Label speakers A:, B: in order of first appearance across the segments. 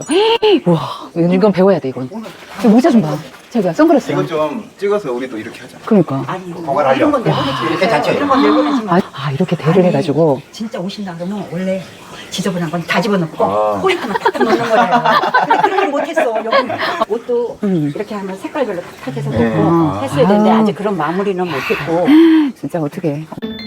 A: 와, 이건 배워야 돼, 이건. 모자 좀 봐. 제가 선글라스.
B: 이거 좀 찍어서 우리도 이렇게 하자.
A: 그러니까.
C: 아니
B: 그걸 하려.
C: 이런 건 내보내지
B: 이렇게 자체.
C: 이런 건 내보내지 마.
A: 아, 이렇게 대를 해가지고.
C: 진짜 오신다 그러면 원래 지저분한 건 다 집어넣고
B: 아.
C: 포인트만 탁탁 넣는 거예요. 근데 그런 걸 못했어. 여기 옷도 이렇게 하면 색깔별로 탁탁 해서
B: 네.
C: 넣고
B: 아.
C: 했어야 되는데 아직 그런 마무리는 못했고.
A: 진짜 어떻게.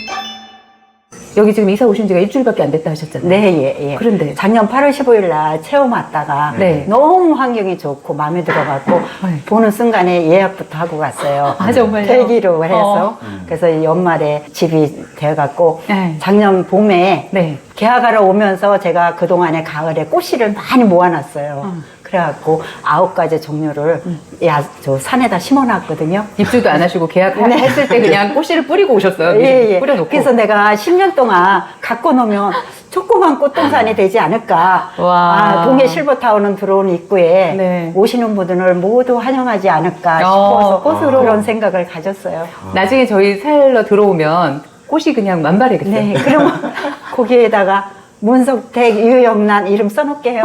A: 여기 지금 이사 오신 지가 일주일밖에 안 됐다 하셨잖아요.
C: 네, 예, 예.
A: 그런데.
C: 작년 8월 15일 날 체험 왔다가
A: 네.
C: 너무 환경이 좋고 마음에 들어갖고
A: 네.
C: 보는 순간에 예약부터 하고 갔어요.
A: 아, 정말요?
C: 대기로 해서. 그래서 이 연말에 집이 돼갖고
A: 네.
C: 작년 봄에
A: 네.
C: 계약하러 오면서 제가 그동안에 가을에 꽃씨를 많이 모아놨어요. 그래갖고 9가지 종류를 저 산에다 심어놨거든요.
A: 입주도 안 하시고 계약했을 때 그냥 꽃씨를 뿌리고 오셨어요. 미리
C: 예, 예.
A: 뿌려놓고.
C: 그래서 내가 10년 동안 갖고 놓으면 조그만 꽃동산이 되지 않을까.
A: 와.
C: 아, 동해 실버타운은 들어온 입구에
A: 네.
C: 오시는 분들을 모두 환영하지 않을까
A: 어,
C: 싶어서
A: 꽃으로.
C: 그런 생각을 가졌어요.
A: 나중에 저희 살러 들어오면 꽃이 그냥 만발하겠어요.
C: 네, 그러면 거기에다가 문석택, 유영란 이름 써놓을게요.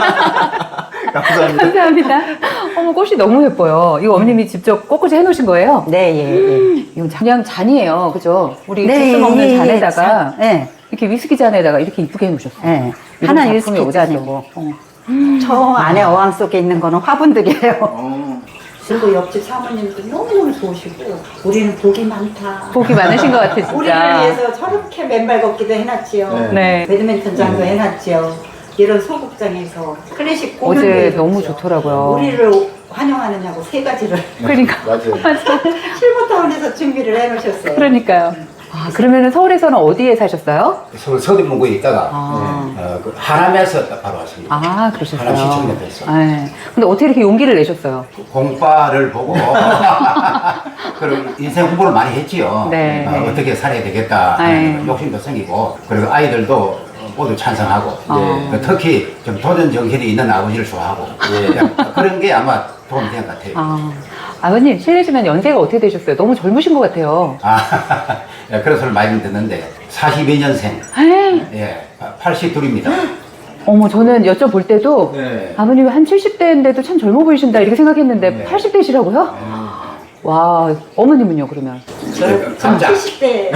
B: 감사합니다.
A: 감사합니다. 어머, 꽃이 너무 예뻐요. 이거 어머님이 직접 꽃꽂이 해놓으신 거예요?
C: 네, 예, 예.
A: 이건 그냥 잔이에요. 그죠? 우리
C: 네,
A: 주스 먹는
C: 예, 예,
A: 잔에다가
C: 잔. 네.
A: 이렇게 위스키 잔에다가 이렇게 이쁘게 해놓으셨어요.
C: 네.
A: 이런
C: 하나
A: 작품이
C: 위스키
A: 어딨어.
C: 잔이고 저 안에 어항 속에 있는 거는 화분들이에요.
B: 어.
C: 그리고 옆집 사모님도 너무너무 좋으시고 우리는 복이 많다.
A: 복이 많으신 것 같아, 진짜.
C: 우리를 위해서 저렇게 맨발 걷기도 해놨지요.
A: 네.
C: 배드민턴장도 해놨지요. 이런 소극장에서 클래식 공연도
A: 어제
C: 해줬죠.
A: 너무 좋더라고요.
C: 우리를 환영하느냐고 3가지를
A: 그러니까.
B: 맞아요.
C: 실버타운에서 준비를 해놓으셨어요.
A: 그러니까요. 아, 그러면 서울에서는 어디에 사셨어요?
D: 서울 서대문구에 있다가
A: 아.
D: 그 하남에서 딱 바로 왔습니다.
A: 아, 그러셨어요.
D: 하남 시청 옆에서.
A: 네. 근데 어떻게 이렇게 용기를 내셨어요?
D: 공과를 보고 그리고 인생 공부를 많이 했지요.
A: 네.
D: 어떻게 살아야 되겠다
A: 네.
D: 하는 욕심도 생기고 그리고 아이들도 모두 찬성하고
A: 네.
D: 그 특히 좀 도전 정신이 있는 아버지를 좋아하고 그런 게 아마 도움이 된 것 같아요.
A: 아, 아버님, 실례지만 연세가 어떻게 되셨어요? 너무 젊으신 것 같아요.
D: 그런 소리를 많이 듣는데 42년생
A: 에이,
D: 예, 82입니다.
A: 어머, 저는 여쭤볼 때도
B: 네.
A: 아버님이 한 70대인데도 참 젊어 보이신다 이렇게 생각했는데
D: 네.
A: 80대시라고요? 와, 어머님은요, 그러면?
D: 감자.
C: 70대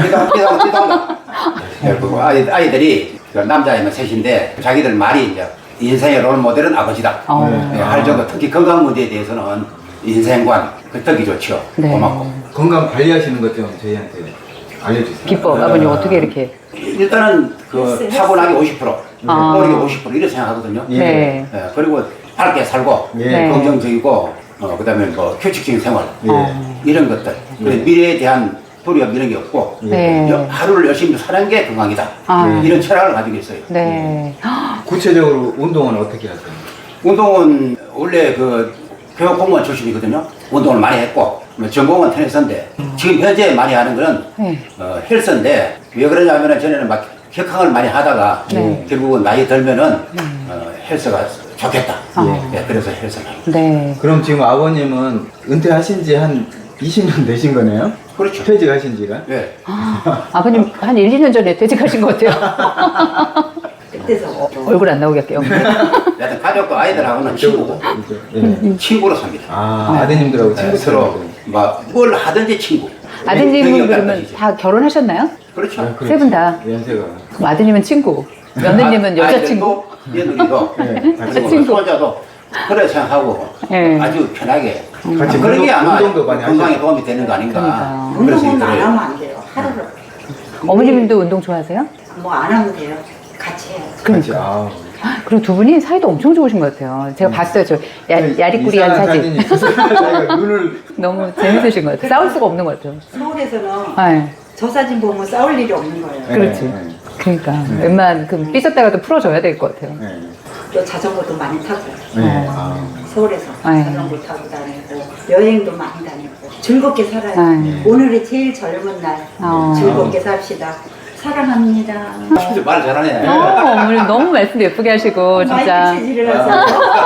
D: 그리고 아이들이 그 남자애만 셋인데 자기들 말이 이제 인생의 롤 모델은 아버지다.
A: 어.
D: 예, 할 정도 특히 건강 문제에 대해서는 인생관 그 떡이 좋죠.
A: 네.
D: 고맙고.
B: 건강 관리하시는 것 좀 저희한테 알려주세요.
A: 비법, 아버님 어떻게 이렇게?
D: 일단은 그 차분하게 50%,
A: 아.
D: 꼬리게 50% 이렇게 생각하거든요.
B: 예.
A: 네.
D: 예, 그리고 밝게 살고
B: 예.
A: 네.
D: 긍정적이고 그다음에 뭐 규칙적인 생활
B: 예.
D: 이런 것들. 그리고 미래에 대한 두려움 이런 게 없고
A: 네.
D: 하루를 열심히 사는 게 건강이다.
A: 아.
D: 이런 철학을 가지고 있어요.
A: 네.
B: 구체적으로 운동은 어떻게 하세요?
D: 운동은 원래 그 교육 공무원 출신이거든요. 운동을 많이 했고 전공은 테니스인데 지금 현재 많이 하는 거는
A: 네.
D: 헬스인데 왜 그러냐면은 전에는 막 격항을 많이 하다가
A: 네.
D: 결국은 나이 들면은 헬스가 좋겠다.
A: 아.
D: 예, 그래서 헬스를 하는 거예요.
A: 네.
B: 그럼 지금 아버님은 은퇴하신 지 한 20년 되신 거네요?
D: 그렇죠.
B: 퇴직하신 지가?
D: 예.
A: 아버님 한 1, 2년 전에 퇴직하신 것 같아요.
C: 그때서
A: 얼굴 안 나오게 할게요.
D: 여하튼 가족도 아이들하고는 친구고
B: 예.
D: 친구로 삽니다.
B: 아, 아드님들하고
D: 예,
B: 친구
D: 서로 뭘 하든지 친구.
A: 아드님은
D: 능력이
A: 그러면
D: 없다든지.
A: 다 결혼하셨나요?
D: 그렇죠.
A: 세 분 다.
B: 연세가.
A: 그럼 아드님은 친구, 며느님은 여자친구.
D: 아이들도 며느리도
B: 네.
D: 그리고
A: 친구.
D: 손자도 그래 생각하고
A: 네.
D: 아주 편하게
B: 같이
D: 그런 게 아마
B: 운동도 많이
D: 건강에
B: 하시고.
D: 도움이 되는 거 아닌가
A: 그러니까요.
D: 그런
C: 운동은
D: 생각이
C: 안
D: 들어요.
C: 하면 안 돼요. 하루를
A: 어머님도 운동 좋아하세요?
C: 뭐 안 하면 돼요. 같이 해야죠.
B: 같이,
A: 그러니까.
B: 아.
A: 그리고 두 분이 사이도 엄청 좋으신 것 같아요. 제가 봤어요. 저 야리꾸리한
B: 이상한
A: 사진.
B: 사진이 있어서 자기가 눈을
A: 너무 재밌으신 것 같아요. 싸울 수가 없는 것 같아요.
C: 서울에서는
A: 네.
C: 저 사진 보면 싸울 일이 없는 거예요.
A: 그렇지.
B: 네, 네.
A: 그러니까 웬만 그 삐졌다가도 풀어줘야 될 것 같아요.
B: 네.
C: 또 자전거도 많이 타고
B: 네. 아.
C: 서울에서
A: 네.
C: 자전거 타고 다니고 여행도 많이 다니고 즐겁게 살아요.
A: 네.
C: 오늘이 제일 젊은 날 즐겁게 삽시다. 사랑합니다.
D: 진짜 말 잘하네.
A: 어머니 너무 말씀도 예쁘게 하시고 진짜.
C: 마이크 체질을 하세요.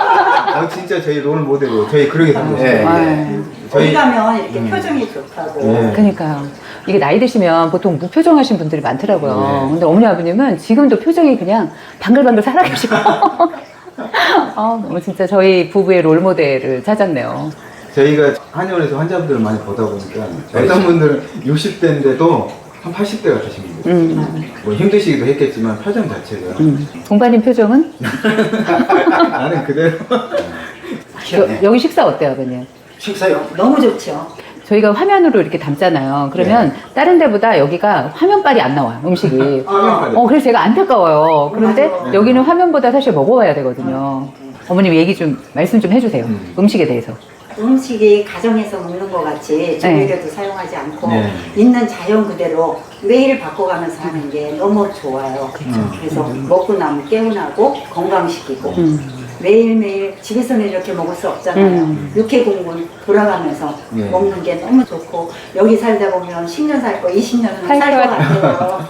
B: 진짜 저희 롤 모델로 저희 그러게 살고
D: 예,
B: 있어요.
A: 네.
C: 어디 가면 이렇게 표정이 좋다고.
B: 네.
A: 그러니까요. 이게 나이 드시면 보통 무표정하신 분들이 많더라고요.
B: 네.
A: 근데 어머니 아버님은 지금도 표정이 그냥 방글방글 살아계시고 너무 진짜 저희 부부의 롤 모델을 찾았네요.
B: 저희가 한의원에서 환자분들을 많이 보다 보니까 어떤 분들은 60대인데도 한 80대 같으신 분들. 뭐 힘드시기도 했겠지만 표정 자체가
A: 동반님 표정은?
B: 나는 그대로.
A: 여기 식사 어때요, 아버님?
D: 식사요?
C: 너무 좋죠.
A: 저희가 화면으로 이렇게 담잖아요. 그러면 다른 데보다 여기가 화면빨이 안 나와요, 음식이. 그래서 제가 안타까워요. 그런데
C: 맞아.
A: 여기는 화면보다 사실 먹어봐야 되거든요. 어머님 얘기 좀, 말씀 좀 해주세요. 음식에 대해서.
C: 음식이 가정에서 먹는 것 같이 조미료도 사용하지 않고
B: 네.
C: 있는 자연 그대로 매일 바꿔가면서 하는 게 너무 좋아요. 그래서 먹고 나면 개운하고 건강시키고 매일매일 집에서는 이렇게 먹을 수 없잖아요. 육해공군 돌아가면서
B: 네.
C: 먹는 게 너무 좋고 여기 살다 보면 10년 살 거 20년은
A: 살
C: 살
A: 것
C: 것 같아요.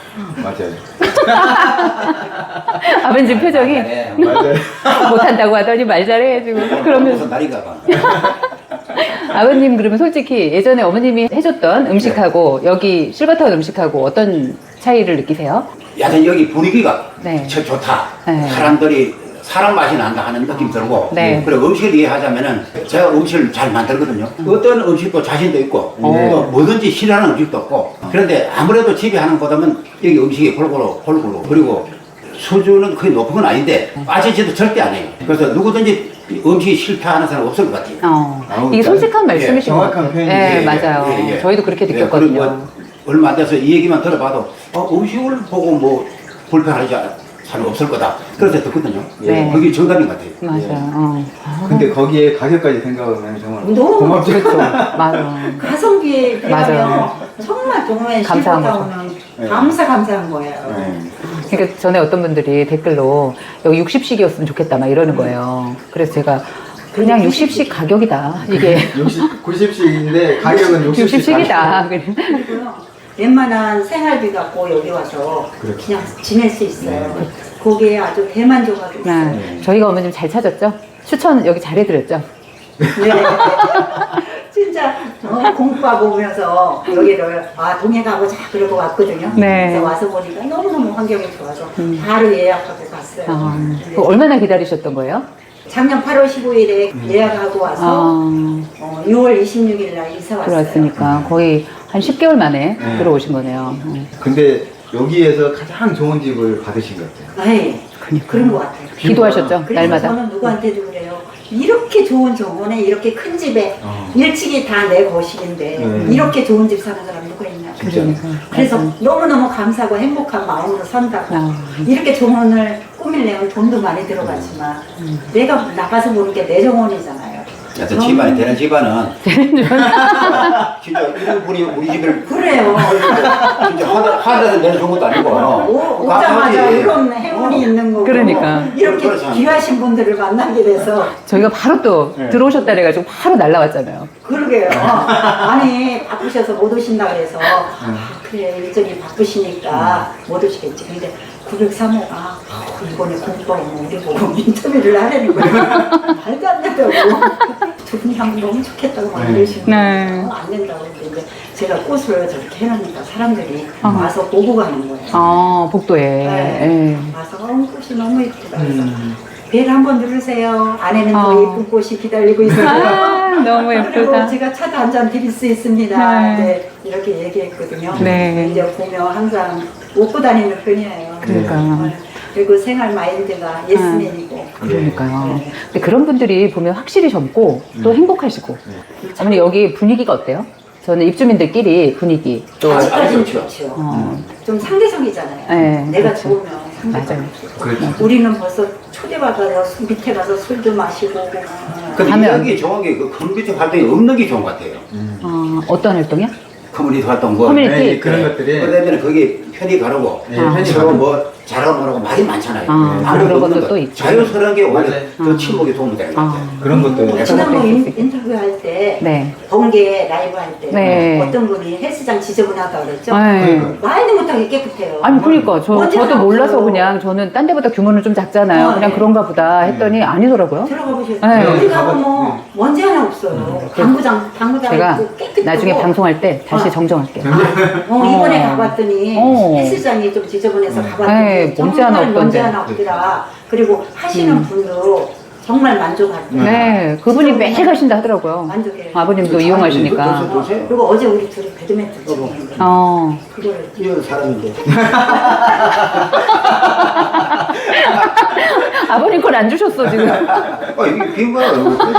B: 맞아요.
A: 아버님 표정이
D: 네.
B: 맞아요.
A: 못한다고 하더니 말 잘해, 지금. 그러면
D: 무슨 날인가 봐.
A: 아버님 그러면 솔직히 예전에 어머님이 해줬던 음식하고 여기 실버타운 음식하고 어떤 차이를 느끼세요?
D: 야전 여기 분위기가
A: 네.
D: 참 좋다.
A: 네.
D: 사람들이 사람 맛이 난다 하는 느낌 들고.
A: 네.
D: 그리고 음식을 이해하자면은 제가 음식을 잘 만들거든요. 어떤 음식도 자신도 있고 또 뭐든지 싫어하는 음식도 없고. 그런데 아무래도 집에 하는 것보다는 여기 음식이 골고루 그리고 수준은 거의 높은 건 아닌데 빠지지도 절대 안 해요. 그래서 누구든지 음식이 싫다하는 사람 없을 것 같아요.
A: 이게 솔직한 말씀이신 것
B: 정확한
A: 같아요.
B: 표현이죠.
A: 네, 맞아요.
D: 예, 예.
A: 저희도 그렇게
D: 예,
A: 느꼈거든요.
D: 그리고 뭐 얼마 안 돼서 이 얘기만 들어봐도 음식을 보고 뭐 불편하지 사람 없을 거다. 그래서 듣거든요.
A: 네.
D: 그게 정답인 것 같아요.
A: 맞아요.
B: 근데 거기에 가격까지 생각하면 정말
C: 너무
B: 고맙죠.
A: 맞아.
C: 가성비에 비하면
A: 맞아요.
C: 정말 동호회
A: 감사한
C: 실버타
A: 거죠.
C: 오면
B: 네.
C: 감사한 거예요.
B: 네.
A: 그러니까 전에 어떤 분들이 댓글로 여기 60씩이었으면 좋겠다 막 이러는 거예요. 그래서 제가 그냥 60씩 가격이다. 이게
B: 90씩인데 가격은
A: 60씩이다.
C: 그리고요. 웬만한 생활비 갖고 여기 와서
B: 그렇죠.
C: 그냥 지낼 수 있어요. 거기에 아주 대만족하고 있어요.
A: 네. 저희가 어머님 잘 찾았죠? 추천 여기 잘 해드렸죠?
C: 네. 진짜 공부하고 오면서 여기를 동해 가보자 그러고 왔거든요.
A: 네.
C: 그래서 와서 보니까 너무너무 환경이 좋아서 바로 예약하고 갔어요. 네.
A: 그거 얼마나 기다리셨던 거예요?
C: 작년 8월 15일에 예약하고 와서 6월 26일 날 이사 왔어요.
A: 들어왔으니까 거의 한 10개월 만에
B: 네.
A: 들어오신 거네요.
B: 근데 여기에서 가장 좋은 집을 받으신 것 같아요.
C: 네. 그런 것 같아요.
A: 기도하셨죠?
C: 그래서
A: 날마다.
C: 저는 누구한테도 그래요. 이렇게 좋은 정원에 이렇게 큰 집에
B: 어.
C: 일찍이 다 내 거실인데 이렇게 좋은 집 사는 사람 누가 있냐.
A: 그러니까.
C: 그래서 너무너무 감사하고 행복한 마음으로 산다고.
A: 아.
C: 이렇게 정원을 꾸밀려면 돈도 많이 들어갔지만 내가 나가서 보는 게 내 정원이잖아요.
D: 여튼 집안이 되는 집안은 진짜 이런 분이 우리 집을
C: 그래요.
D: 진짜 하나도 내는 좋은 것도 아니고
C: 오자마자 이런 행운이 있는 거고
A: 그러니까.
C: 이렇게
D: 그렇죠.
C: 귀하신 분들을 만나게 돼서
A: 저희가 바로 또
B: 네.
A: 들어오셨다 그래가지고 바로 날라왔잖아요.
C: 그러게요. 아니 바쁘셔서 못 오신다 그래서 그래 일정이 바쁘시니까 못 오시겠지. 근데 903호가 이번에 공부하고 우리 보고 인터뷰를 하려는 거예요. 말도 안 된다고. 두 분이 하면 너무 좋겠다고 막 이러시는
A: 네.
C: 거예요. 안 된다고 했는데 제가 꽃을 저렇게 해놓으니까 사람들이 와서 보고 가는 거예요.
A: 복도에.
C: 네.
A: 예.
C: 와서 꽃이 너무 예쁘다. 그래서 벨 한번 누르세요. 안에는 더
A: 어.
C: 예쁜 꽃이 기다리고 있어요.
A: 너무
C: 그리고
A: 예쁘다.
C: 제가 차도 한 잔 드릴 수 있습니다.
A: 네.
C: 이제 이렇게 얘기했거든요.
A: 네.
C: 이제 보면 항상 웃고 다니는 편이에요.
A: 그러니까.
C: 네. 그리고 생활 마인드가 예스맨이고.
A: 그러니까요.
C: 네.
A: 근데 그런 분들이 보면 확실히 젊고 또 행복하시고. 어머니 여기 분위기가 어때요? 저는 입주민들끼리 분위기 또
C: 아직까지는
D: 좋죠.
C: 좋죠. 좀 상대적이잖아요.
A: 네,
C: 내가
A: 그렇죠.
C: 좋으면 상대적.
A: 맞아요.
B: 그렇죠.
C: 우리는 벌써 초대받아서 밑에 가서 술도 마시고.
D: 근데
A: 하면-
D: 여기 좋은 게 그 커뮤니티 활동이 없는 게 좋은 것 같아요.
A: 어떤 활동이요?
D: 커뮤니티 활동 뭐
A: 커뮤니티?
B: 네, 그런 것들이
D: 그러면 거기 편히 가르고
B: 네, 편히
D: 서로
B: 가르고.
D: 뭐 잘하고 뭐라고 말이 많잖아요.
A: 그런
D: 없는
A: 것도
D: 거.
A: 또 있죠.
D: 자연스러운 게 오히려
B: 맞아요.
D: 더 친목에 도움이 되는 것 같아요.
B: 그런 것도
C: 지난번
A: 있을 수 있겠-
C: 인터뷰 할 때,
A: 네.
C: 번개 라이브 할 때,
A: 네.
C: 어떤 분이 헬스장 지저분하다고 그랬죠?
A: 네.
C: 말도 못하게 깨끗해요.
A: 아니 그러니까
C: 먼지
A: 저도
C: 하나
A: 몰라서
C: 없어요.
A: 그냥 저는 딴 데보다 규모는 좀 작잖아요. 그냥
C: 네.
A: 그런가 보다 했더니 아니더라고요.
C: 들어가 보셨어요?
A: 네.
C: 어디 가보면 먼지 하나 없어요. 당구장
A: 제가
C: 있고 깨끗하고.
A: 나중에 방송할 때 다시 정정할게요.
C: 이번에 가봤더니
A: 어.
C: 헬스장이 좀 지저분해서
A: 네,
C: 가봤는데
A: 먼지 하나
C: 정말 먼지
A: 없던데.
C: 하나 없더라. 그리고 하시는 분도 정말 만족하더라.
A: 네, 그분이 매일 가신다 하더라고요.
C: 만족해요.
A: 아버님도 이용하시니까.
C: 그리고 어제 우리 둘이 배드민턴 치고 있는데 그거를
D: 이런 사람인데.
A: 아버님 걸 안 주셨어, 지금.
D: 이게 빈 거야.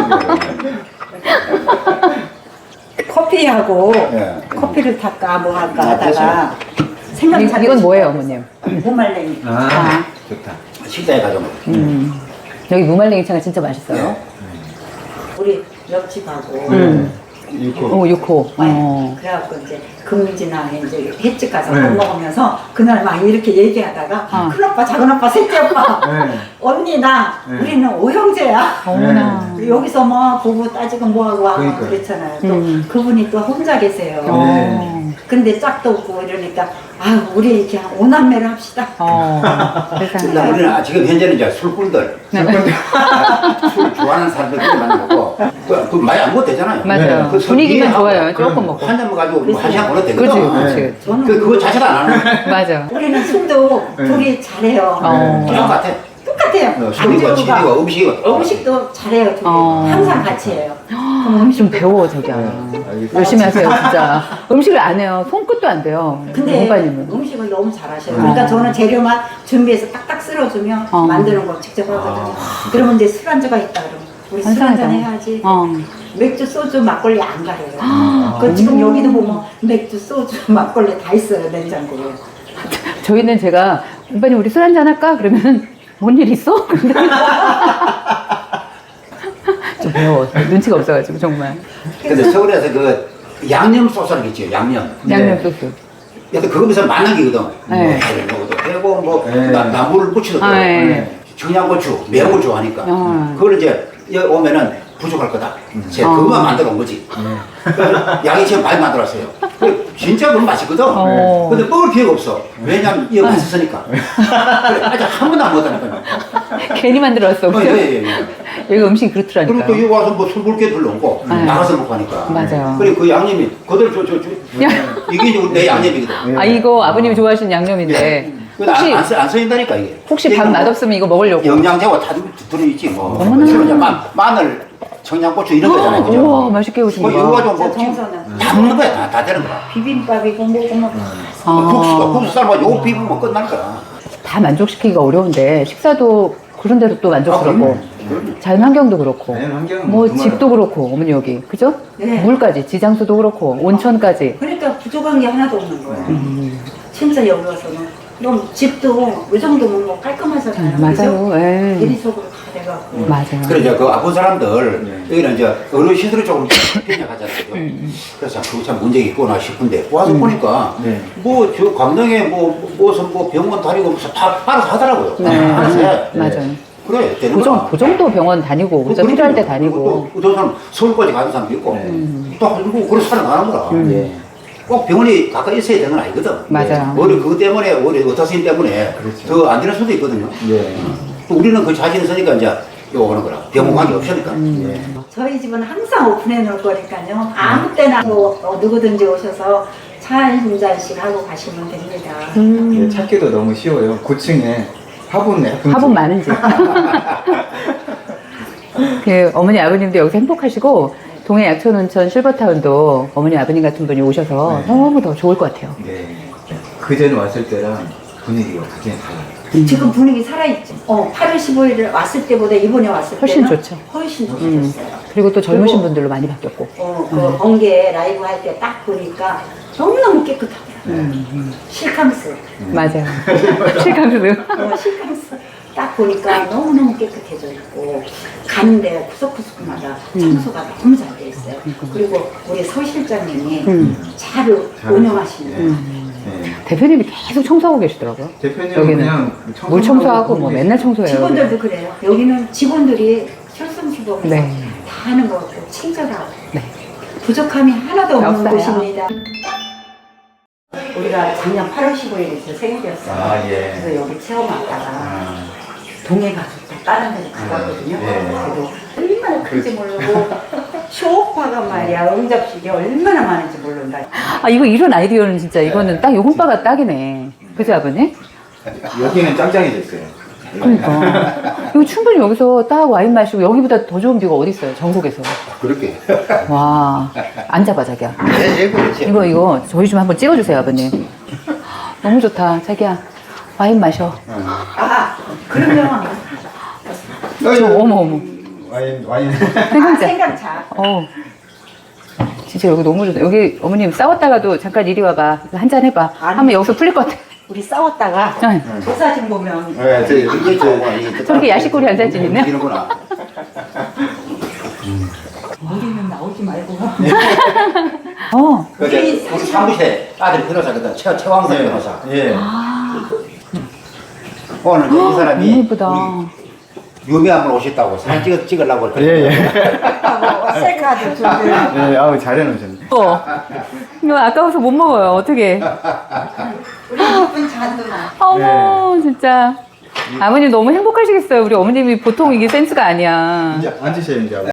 C: 커피하고
D: 네.
C: 커피를 탈까 뭐 할까
D: 아,
C: 하다가 생각이 잘
A: 이건 뭐예요, 어머님?
C: 무말랭이.
B: 아, 좋다.
D: 식당에 가서 먹어.
A: 여기 무말랭이차가 진짜 맛있어요.
C: 우리 옆집하고
A: 오, 6호.
C: 그래갖고 이제 금지나 이제 횟집 가서 밥 먹으면서 그날 막 이렇게 얘기하다가 큰 오빠, 작은 오빠, 셋째 오빠,
B: 네.
C: 언니 나 우리는 오형제야.
A: 어머나.
C: 여기서 뭐 부부 따지고 뭐하고 하고
B: 그러니까요.
C: 그랬잖아요. 또 그분이 또 혼자 계세요. 근데 짝도 없고 이러니까 아유 우리 이렇게 오남매를 합시다.
A: 세상에.
D: 나 우리는 지금 현재는 이제 술꾼들, 술 좋아하는 사람들끼리 만나고 그 많이 안 먹어도 되잖아요.
A: 맞아요.
D: 그
A: 분위기만
D: 하고
A: 좋아요. 조금 먹고.
D: 한 잔 가지고 뭐 한 시간 걸어도
A: 그치,
D: 되거든.
A: 그치.
C: 저는
D: 그거 자체가 안 하는
A: 맞아.
C: 우리는 술도 둘이 잘해요.
D: 똑같아.
C: 똑같아요.
D: 술이고 집이고 음식이고
C: 음식도 잘해요. 둘이.
A: 어.
C: 항상 같이 해요. 그럼
A: 좀 배워, 저기야.
B: 알겠습니다.
A: 열심히 하세요, 진짜. 음식을 안 해요. 손끝도 안 돼요.
C: 근데
A: 오빠님은.
C: 음식을 너무 잘하셔요. 그러니까 저는 재료만 준비해서 딱딱 쓸어주면 만드는 거 직접 하거든요. 그러면 이제 술안주가 있다 그러면 우리 술 한잔 해야지. 맥주, 소주, 막걸리 안 가려요. 그 지금 여기도 보면 맥주, 소주, 막걸리 다 있어요, 냉장고에.
A: 저희는 제가, 오빠님 우리 술 한잔 할까? 그러면, 뭔 일 있어? 근데 좀 배워. 눈치가 없어가지고, 정말.
D: 근데 서울에서 그 양념 소스라는 게 있죠. 양념.
A: 양념 소스.
D: 그래서 그거면서 만나기거든.
A: 네.
D: 뭐 먹어도 되고 뭐
B: 네.
D: 나물을 무쳐도 되고.
A: 네.
D: 청양고추 매운 걸 좋아하니까. 그걸 이제 여기 오면은 부족할 거다. 제가 그것만 만들어 온 거지. 그래서 양이 지금 많이 만들었어요. 진짜 그건 맛있거든. 근데 먹을 기회가 없어. 왜냐면 이거 맛있으니까. 그래, 아직 한 번도 안 먹었다니까요.
A: 괜히 만들었어. 그죠?
D: 예.
A: 여기가 음식이 그렇더라니까.
D: 그리고 또 여기 와서 뭐 술 볼 게 별로 없고 나가서 먹고 하니까.
A: 맞아요.
D: 그리고 그 양념이 그대로 이게 이제 내 양념이거든.
A: 아, 이거 아버님이 좋아하시는 양념인데. 혹시,
D: 안 써진다니까 이게.
A: 혹시 밥 맛없으면 이거 먹으려고.
D: 영양제가 다 들어있지 뭐.
A: 어머나.
D: 마늘, 청양고추 이런 거잖아요. 그죠?
A: 우와, 맛있게
D: 뭐
A: 오신
D: 이거
A: 거.
D: 가지고 뭐
C: 정서는
D: 다 먹는 거야. 다 되는 거야.
C: 비빔밥이고 뭐고 뭐.
D: 국수 삶아 요거 비비면 끝날 거야.
A: 다 만족시키기가 어려운데, 식사도 그런데도 또 만족스럽고, 자연 환경도 그렇고,
B: 자연 환경은
A: 뭐
B: 정말-
A: 집도 그렇고, 어머니 여기. 그죠?
C: 네.
A: 물까지, 지장수도 그렇고, 온천까지.
C: 그러니까 부족한 게 하나도 없는 거예요. 진짜 여기 와서는 너무 집도 이 정도면 뭐 깔끔하잖아요.
A: 맞아요. 예.
C: 대리석으로 다 돼갖고.
A: 맞아요.
D: 그래 이제 그 아픈 사람들 여기는 이제 어르신들이 조금 빈약하잖아요. 그래서 그거 참 문제가 있구나 싶은데 와서 보니까 뭐 저 강릉에 무슨 뭐 병원 다니고 무슨 다 알아서 하더라고요.
A: 네.
D: 알아서 해.
A: 맞아요.
D: 그래 되는 거야.
A: 그 정도 병원 다니고, 그죠? 필요할 때 다니고.
D: 또 사람 서울까지 가는 사람도 있고 또 한국 그런 사람 안 하는 거라. 꼭 병원이 가까이 있어야 되는 건 아니거든.
A: 맞아요.
D: 우리 그것 때문에 우리 의사 선생님 때문에
B: 그렇죠.
D: 더 안 되는 수도 있거든요. 또 우리는 그 자신 있으니까 이제 요거 하는 거라. 병원 관계 없으니까.
C: 저희 집은 항상 오픈해 놓을 거니까요. 아무 때나 뭐 누구든지 오셔서 차 한 잔씩 하고 가시면 됩니다.
B: 예, 찾기도 너무 쉬워요. 9층에 화분 예쁜
A: 화분
B: 집.
A: 많은 집. 그 어머니 아버님도 여기서 행복하시고 동해 약촌온천 실버타운도 어머니 아버님 같은 분이 오셔서
B: 네.
A: 너무 더 좋을 것 같아요.
B: 네. 그전에 왔을 때랑 분위기가 완전히 달라요.
C: 지금 분위기 살아있죠. 8월 15일에 왔을 때보다 이번에 왔을
A: 훨씬
C: 때는
A: 좋죠.
C: 훨씬 좋으셨어요.
A: 그리고 또 젊으신
C: 그리고-
A: 분들로 많이 바뀌었고.
C: 그 번개 라이브 할 때 딱 보니까 너무너무 깨끗하더라고요. 실캉스.
A: 맞아요. 실감도.
C: 실캉스 딱 보니까 너무너무 깨끗해져 있고 가는데 구석구석마다 청소가 너무 잘 돼 있어요. 그리고 우리 서 실장님이 잘 운영하시는
B: 네.
A: 대표님이 계속 청소하고 계시더라고요.
B: 대표님은
A: 여기는
B: 그냥
A: 물 청소하고 뭐 맨날 청소해요.
C: 직원들도 그래요. 여기는 직원들이 설성시범에서
A: 네.
C: 다 하는 것 같고 친절하고
A: 네.
C: 부족함이 하나도 없는
A: 없어요.
C: 곳입니다. 우리가 작년 8월 15일에 제 생일이었어요.
B: 아, 예.
C: 그래서 여기 체험 왔다가 동해 가서 또 다른 데로 가봤거든요.
B: 예.
C: 그래도 얼마나 큰지 모르고 쇼파가 말이야 응접실이 얼마나 많은지 모른다.
A: 아, 이거 이런 아이디어는 진짜 이거는 딱 요 혼바가 딱이네. 그죠, 아버님?
B: 여기는 짱짱해졌어요.
A: 그러니까. 이거 충분히 여기서 딱 와인 마시고 여기보다 더 좋은 뷰가 어디 있어요, 전국에서.
D: 그렇게.
A: 와, 앉아봐, 자기야.
D: 예, 그렇지.
A: 이거 저희 좀 한번 찍어주세요, 아버님. 너무 좋다, 자기야. 와인 마셔.
C: 아, 그러면
A: 어머.
B: 와인.
A: 생강차.
C: 생강차.
A: 진짜 여기 너무 좋다. 여기 어머님 싸웠다가도 잠깐 이리 와봐. 한잔 해봐.
C: 아니.
A: 하면 여기서 풀릴 것 같아.
C: 우리 싸웠다가
A: 응.
C: 저 사진 보면
B: 네, 저
D: 이게
A: 저렇게 야식거리 한 사진 있네?
D: 이런구나.
C: 우리는 나오지 말고.
D: 우리 사무실에 아들이 변호사거든. 최왕석 변호사.
B: 예.
D: 오늘 이제 이 사람이
A: 너무 예쁘다.
D: 우리 유명한 분 오셨다고 사진 찍으려고
B: 예, 예.
C: 셀카도 준비.
B: 예, 아우, 잘해놓으셨네.
A: 이거 아까워서 못 먹어요. 어떻게?
C: 우리 예쁜 잔도나.
A: 어머, 진짜. 아버님 너무 행복하시겠어요. 우리 어머님이 보통 이게 센스가 아니야.
B: 이제 앉으셔야 이제.